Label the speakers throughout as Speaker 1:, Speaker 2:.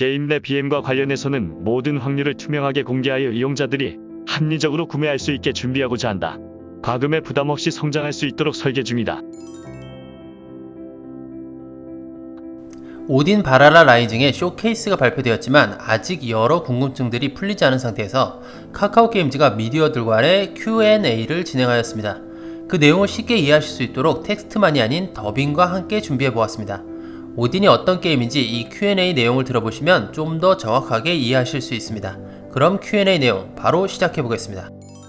Speaker 1: 게임 내 BM과 관련해서는 모든 확률을 투명하게 공개하여 이용자들이 합리적으로 구매할 수 있게 준비하고자 한다. 과금에 부담 없이 성장할 수 있도록 설계 중이다.
Speaker 2: 오딘 바랄라 라이징의 쇼케이스가 발표되었지만 아직 여러 궁금증들이 풀리지 않은 상태에서 카카오게임즈가 미디어들과의 Q&A를 진행하였습니다. 그 내용을 쉽게 이해하실 수 있도록 텍스트만이 아닌 더빙과 함께 준비해보았습니다. 오딘이 어떤 게임인지 이 Q&A 내용을 들어보시면 좀 더 정확하게 이해하실 수 있습니다. 그럼 Q&A 내용 바로 시작해보겠습니다.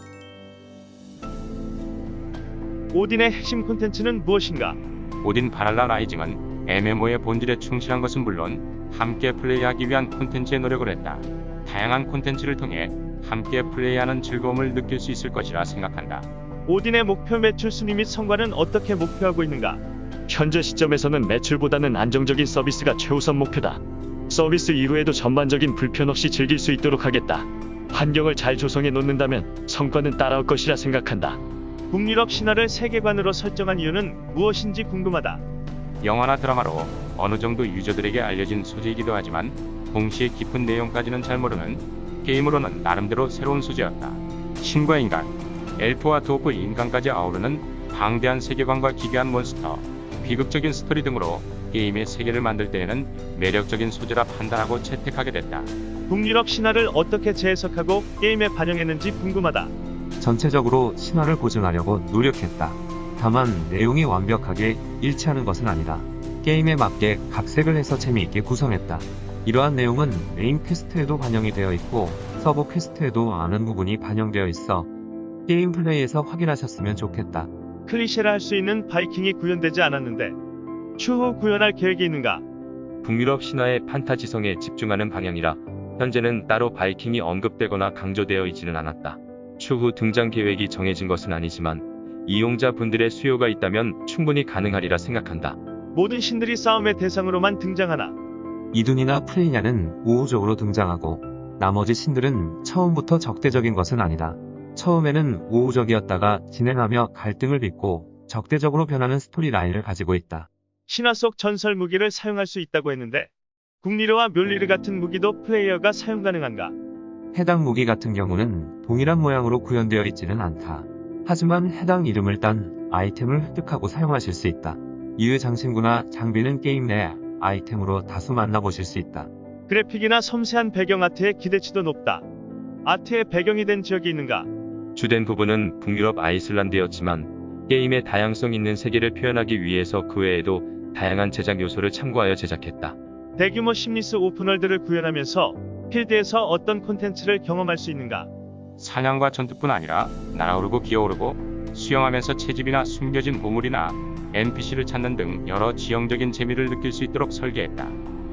Speaker 3: 오딘의 핵심 콘텐츠는 무엇인가?
Speaker 4: 오딘 바랄라 라이징은 MMO의 본질에 충실한 것은 물론 함께 플레이하기 위한 콘텐츠에 노력을 했다. 다양한 콘텐츠를 통해 함께 플레이하는 즐거움을 느낄 수 있을 것이라 생각한다.
Speaker 3: 오딘의 목표 매출 순위 및 성과는 어떻게 목표하고 있는가?
Speaker 1: 현재 시점에서는 매출보다는 안정적인 서비스가 최우선 목표다. 서비스 이후에도 전반적인 불편 없이 즐길 수 있도록 하겠다. 환경을 잘 조성해 놓는다면 성과는 따라올 것이라 생각한다.
Speaker 3: 북유럽 신화를 세계관으로 설정한 이유는 무엇인지 궁금하다.
Speaker 4: 영화나 드라마로 어느 정도 유저들에게 알려진 소재이기도 하지만 동시에 깊은 내용까지는 잘 모르는 게임으로는 나름대로 새로운 소재였다. 신과 인간, 엘프와 도프 인간까지 아우르는 방대한 세계관과 기괴한 몬스터, 비극적인 스토리 등으로 게임의 세계를 만들 때에는 매력적인 소재라 판단하고 채택하게 됐다.
Speaker 3: 북유럽 신화를 어떻게 재해석하고 게임에 반영했는지 궁금하다.
Speaker 5: 전체적으로 신화를 보존하려고 노력했다. 다만 내용이 완벽하게 일치하는 것은 아니다. 게임에 맞게 각색을 해서 재미있게 구성했다. 이러한 내용은 메인 퀘스트에도 반영이 되어 있고 서브 퀘스트에도 많은 부분이 반영되어 있어 게임 플레이에서 확인하셨으면 좋겠다.
Speaker 3: 클리셰라 할 수 있는 바이킹이 구현되지 않았는데 추후 구현할 계획이 있는가?
Speaker 6: 북유럽 신화의 판타지성에 집중하는 방향이라 현재는 따로 바이킹이 언급되거나 강조되어 있지는 않았다. 추후 등장 계획이 정해진 것은 아니지만 이용자분들의 수요가 있다면 충분히 가능하리라 생각한다.
Speaker 3: 모든 신들이 싸움의 대상으로만 등장하나?
Speaker 5: 이둔이나 프레이냐는 우호적으로 등장하고 나머지 신들은 처음부터 적대적인 것은 아니다. 처음에는 우호적이었다가 진행하며 갈등을 빚고 적대적으로 변하는 스토리 라인을 가지고 있다.
Speaker 3: 신화 속 전설 무기를 사용할 수 있다고 했는데 국리르와 멸리르 같은 무기도 플레이어가 사용 가능한가?
Speaker 5: 해당 무기 같은 경우는 동일한 모양으로 구현되어 있지는 않다. 하지만 해당 이름을 딴 아이템을 획득하고 사용하실 수 있다. 이의 장신구나 장비는 게임 내 아이템으로 다수 만나보실 수 있다.
Speaker 3: 그래픽이나 섬세한 배경 아트의 기대치도 높다. 아트의 배경이 된 지역이 있는가?
Speaker 6: 주된 부분은 북유럽 아이슬란드였지만 게임의 다양성 있는 세계를 표현하기 위해서 그 외에도 다양한 제작 요소를 참고하여 제작했다.
Speaker 3: 대규모 심리스 오픈월드를 구현하면서 필드에서 어떤 콘텐츠를 경험할 수 있는가?
Speaker 4: 사냥과 전투뿐 아니라 날아오르고 기어오르고 수영하면서 채집이나 숨겨진 보물이나 NPC를 찾는 등 여러 지형적인 재미를 느낄 수 있도록 설계했다.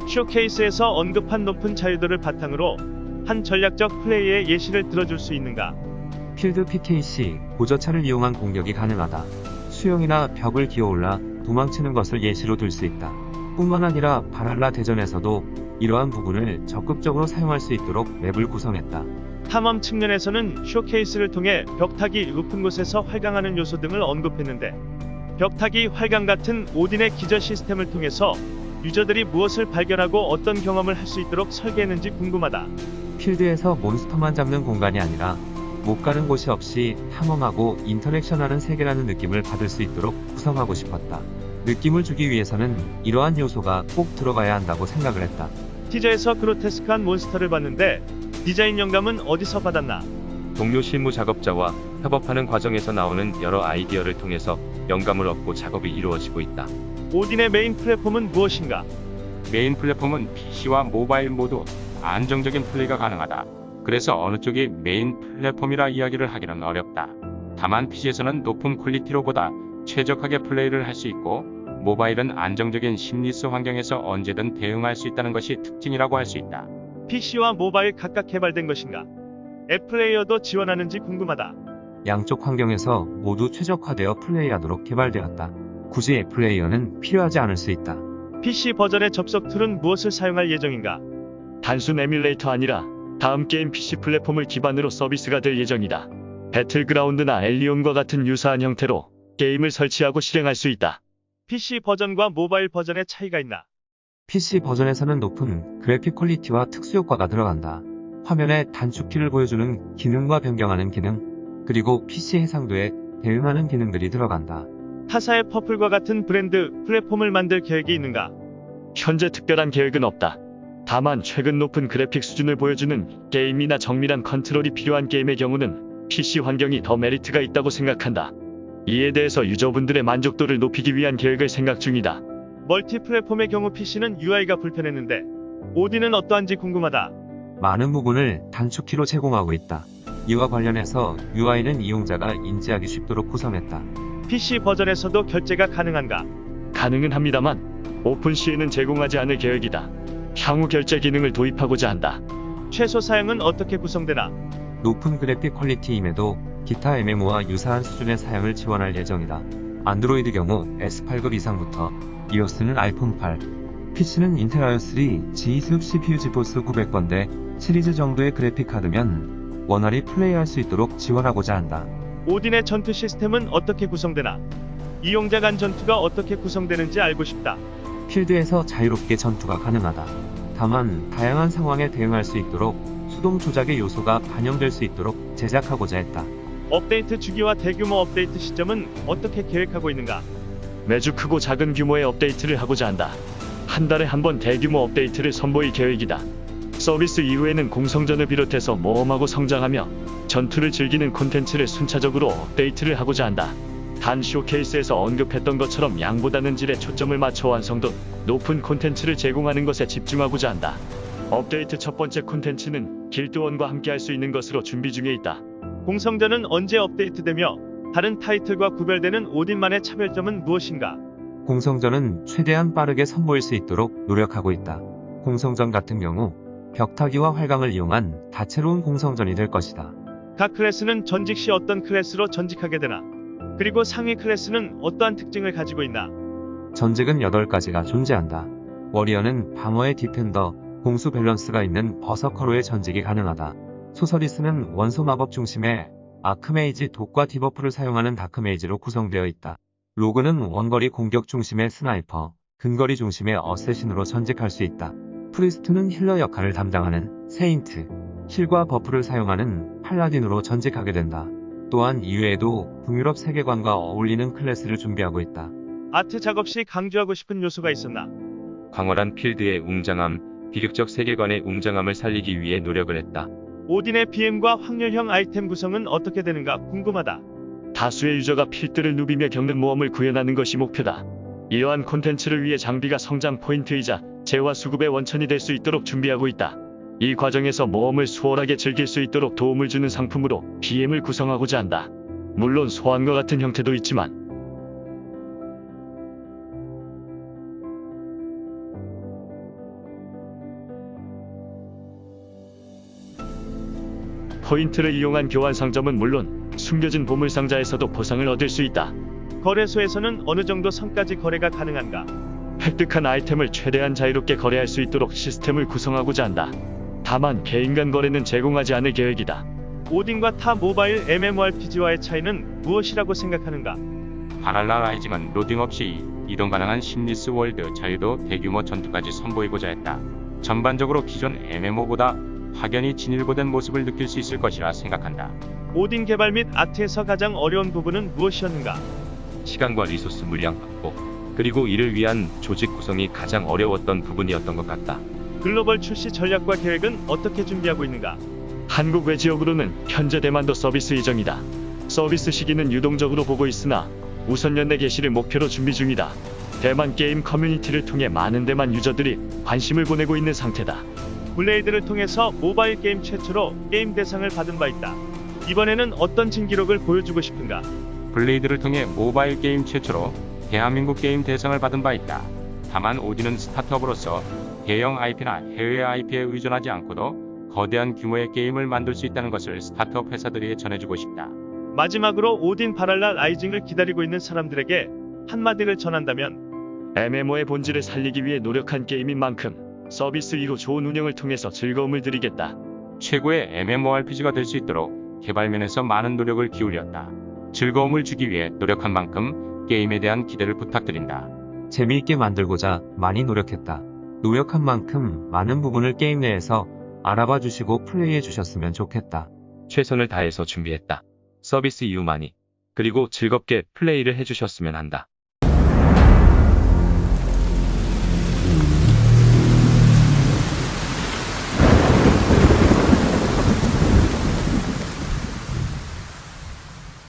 Speaker 3: 쇼케이스에서 언급한 높은 자유도를 바탕으로 한 전략적 플레이의 예시를 들어줄 수 있는가?
Speaker 5: 필드 PKC, 고저차를 이용한 공격이 가능하다. 수영이나 벽을 기어올라 도망치는 것을 예시로 들 수 있다. 뿐만 아니라 바랄라 대전에서도 이러한 부분을 적극적으로 사용할 수 있도록 맵을 구성했다.
Speaker 3: 탐험 측면에서는 쇼케이스를 통해 벽타기 높은 곳에서 활강하는 요소 등을 언급했는데 벽타기 활강 같은 오딘의 기저 시스템을 통해서 유저들이 무엇을 발견하고 어떤 경험을 할 수 있도록 설계했는지 궁금하다.
Speaker 5: 필드에서 몬스터만 잡는 공간이 아니라 못 가는 곳이 없이 탐험하고 인터랙션하는 세계라는 느낌을 받을 수 있도록 구성하고 싶었다. 느낌을 주기 위해서는 이러한 요소가 꼭 들어가야 한다고 생각을 했다.
Speaker 3: 티저에서 그로테스크한 몬스터를 봤는데 디자인 영감은 어디서 받았나?
Speaker 6: 동료 실무 작업자와 협업하는 과정에서 나오는 여러 아이디어를 통해서 영감을 얻고 작업이 이루어지고 있다.
Speaker 3: 오딘의 메인 플랫폼은 무엇인가?
Speaker 4: 메인 플랫폼은 PC와 모바일 모두 안정적인 플레이가 가능하다. 그래서 어느 쪽이 메인 플랫폼이라 이야기를 하기는 어렵다. 다만 PC에서는 높은 퀄리티로보다 최적화게 플레이를 할 수 있고 모바일은 안정적인 심리스 환경에서 언제든 대응할 수 있다는 것이 특징이라고 할 수 있다.
Speaker 3: PC와 모바일 각각 개발된 것인가? 앱 플레이어도 지원하는지 궁금하다.
Speaker 5: 양쪽 환경에서 모두 최적화되어 플레이하도록 개발되었다. 굳이 앱 플레이어는 필요하지 않을 수 있다.
Speaker 3: PC 버전의 접속 툴은 무엇을 사용할 예정인가?
Speaker 1: 단순 에뮬레이터 아니라 다음 게임 PC 플랫폼을 기반으로 서비스가 될 예정이다. 배틀그라운드나 엘리온과 같은 유사한 형태로 게임을 설치하고 실행할 수 있다.
Speaker 3: PC 버전과 모바일 버전의 차이가 있나?
Speaker 5: PC 버전에서는 높은 그래픽 퀄리티와 특수 효과가 들어간다. 화면에 단축키를 보여주는 기능과 변경하는 기능, 그리고 PC 해상도에 대응하는 기능들이 들어간다.
Speaker 3: 타사의 퍼플과 같은 브랜드 플랫폼을 만들 계획이 있는가?
Speaker 1: 현재 특별한 계획은 없다. 다만 최근 높은 그래픽 수준을 보여주는 게임이나 정밀한 컨트롤이 필요한 게임의 경우는 PC 환경이 더 메리트가 있다고 생각한다. 이에 대해서 유저분들의 만족도를 높이기 위한 계획을 생각 중이다.
Speaker 3: 멀티 플랫폼의 경우 PC는 UI가 불편했는데 오딘은 어떠한지 궁금하다.
Speaker 5: 많은 부분을 단축키로 제공하고 있다. 이와 관련해서 UI는 이용자가 인지하기 쉽도록 구성했다.
Speaker 3: PC 버전에서도 결제가 가능한가?
Speaker 1: 가능은 합니다만 오픈C에는 제공하지 않을 계획이다. 향후 결제 기능을 도입하고자 한다.
Speaker 3: 최소 사양은 어떻게 구성되나?
Speaker 5: 높은 그래픽 퀄리티임에도 기타 MMO와 유사한 수준의 사양을 지원할 예정이다. 안드로이드 경우 S8급 이상부터, iOS는 아이폰 8, PC는 인텔 i3 G2 CPU 지포스 900번대 시리즈 정도의 그래픽 카드면 원활히 플레이할 수 있도록 지원하고자 한다.
Speaker 3: 오딘의 전투 시스템은 어떻게 구성되나? 이용자 간 전투가 어떻게 구성되는지 알고 싶다.
Speaker 5: 필드에서 자유롭게 전투가 가능하다. 다만 다양한 상황에 대응할 수 있도록 수동 조작의 요소가 반영될 수 있도록 제작하고자 했다.
Speaker 3: 업데이트 주기와 대규모 업데이트 시점은 어떻게 계획하고 있는가?
Speaker 1: 매주 크고 작은 규모의 업데이트를 하고자 한다. 한 달에 한 번 대규모 업데이트를 선보일 계획이다. 서비스 이후에는 공성전을 비롯해서 모험하고 성장하며 전투를 즐기는 콘텐츠를 순차적으로 업데이트를 하고자 한다. 단 쇼케이스에서 언급했던 것처럼 양보다는 질에 초점을 맞춰 완성도 높은 콘텐츠를 제공하는 것에 집중하고자 한다. 업데이트 첫 번째 콘텐츠는 길드원과 함께 할 수 있는 것으로 준비 중에 있다.
Speaker 3: 공성전은 언제 업데이트되며 다른 타이틀과 구별되는 오딘만의 차별점은 무엇인가?
Speaker 5: 공성전은 최대한 빠르게 선보일 수 있도록 노력하고 있다. 공성전 같은 경우 벽타기와 활강을 이용한 다채로운 공성전이 될 것이다.
Speaker 3: 각 클래스는 전직 시 어떤 클래스로 전직하게 되나? 그리고 상위 클래스는 어떠한 특징을 가지고 있나?
Speaker 5: 전직은 8가지가 존재한다. 워리어는 방어의 디펜더, 공수 밸런스가 있는 버서커로의 전직이 가능하다. 소서리스는 원소 마법 중심의 아크메이지 독과 디버프를 사용하는 다크메이지로 구성되어 있다. 로그는 원거리 공격 중심의 스나이퍼, 근거리 중심의 어쌔신으로 전직할 수 있다. 프리스트는 힐러 역할을 담당하는 세인트, 힐과 버프를 사용하는 팔라딘으로 전직하게 된다. 또한 이외에도 북유럽 세계관과 어울리는 클래스를 준비하고 있다.
Speaker 3: 아트 작업 시 강조하고 싶은 요소가 있었나?
Speaker 6: 광활한 필드의 웅장함, 비극적 세계관의 웅장함을 살리기 위해 노력을 했다.
Speaker 3: 오딘의 BM과 확률형 아이템 구성은 어떻게 되는가 궁금하다.
Speaker 1: 다수의 유저가 필드를 누비며 겪는 모험을 구현하는 것이 목표다. 이러한 콘텐츠를 위해 장비가 성장 포인트이자 재화 수급의 원천이 될 수 있도록 준비하고 있다. 이 과정에서 모험을 수월하게 즐길 수 있도록 도움을 주는 상품으로 BM을 구성하고자 한다. 물론 소환과 같은 형태도 있지만 포인트를 이용한 교환 상점은 물론 숨겨진 보물 상자에서도 보상을 얻을 수 있다.
Speaker 3: 거래소에서는 어느 정도 선까지 거래가 가능한가?
Speaker 1: 획득한 아이템을 최대한 자유롭게 거래할 수 있도록 시스템을 구성하고자 한다. 다만 개인 간 거래는 제공하지 않을 계획이다.
Speaker 3: 오딘과 타 모바일 MMORPG와의 차이는 무엇이라고 생각하는가?
Speaker 4: 바랄라 라이징은 로딩 없이 이동 가능한 심리스 월드 자유도 대규모 전투까지 선보이고자 했다. 전반적으로 기존 MMO보다 확연히 진일보된 모습을 느낄 수 있을 것이라 생각한다.
Speaker 3: 오딘 개발 및 아트에서 가장 어려운 부분은 무엇이었는가?
Speaker 6: 시간과 리소스 물량 확보, 그리고 이를 위한 조직 구성이 가장 어려웠던 부분이었던 것 같다.
Speaker 3: 글로벌 출시 전략과 계획은 어떻게 준비하고 있는가?
Speaker 1: 한국 외 지역으로는 현재 대만도 서비스 예정이다. 서비스 시기는 유동적으로 보고 있으나 우선 연내 개시를 목표로 준비 중이다. 대만 게임 커뮤니티를 통해 많은 대만 유저들이 관심을 보내고 있는 상태다.
Speaker 3: 블레이드를 통해서 모바일 게임 최초로 게임 대상을 받은 바 있다. 이번에는 어떤 진기록을 보여주고 싶은가?
Speaker 4: 블레이드를 통해 모바일 게임 최초로 대한민국 게임 대상을 받은 바 있다. 다만 오딘은 스타트업으로서 대형 IP나 해외 IP에 의존하지 않고도 거대한 규모의 게임을 만들 수 있다는 것을 스타트업 회사들에게 전해주고 싶다.
Speaker 3: 마지막으로 오딘 바랄라 라이징을 기다리고 있는 사람들에게 한마디를 전한다면?
Speaker 1: MMO의 본질을 살리기 위해 노력한 게임인 만큼 서비스 이후 좋은 운영을 통해서 즐거움을 드리겠다.
Speaker 4: 최고의 MMORPG가 될 수 있도록 개발면에서 많은 노력을 기울였다. 즐거움을 주기 위해 노력한 만큼 게임에 대한 기대를 부탁드린다.
Speaker 5: 재미있게 만들고자 많이 노력했다. 노력한 만큼 많은 부분을 게임 내에서 알아봐 주시고 플레이해 주셨으면 좋겠다.
Speaker 6: 최선을 다해서 준비했다. 서비스 이후만이. 그리고 즐겁게 플레이를 해주셨으면 한다.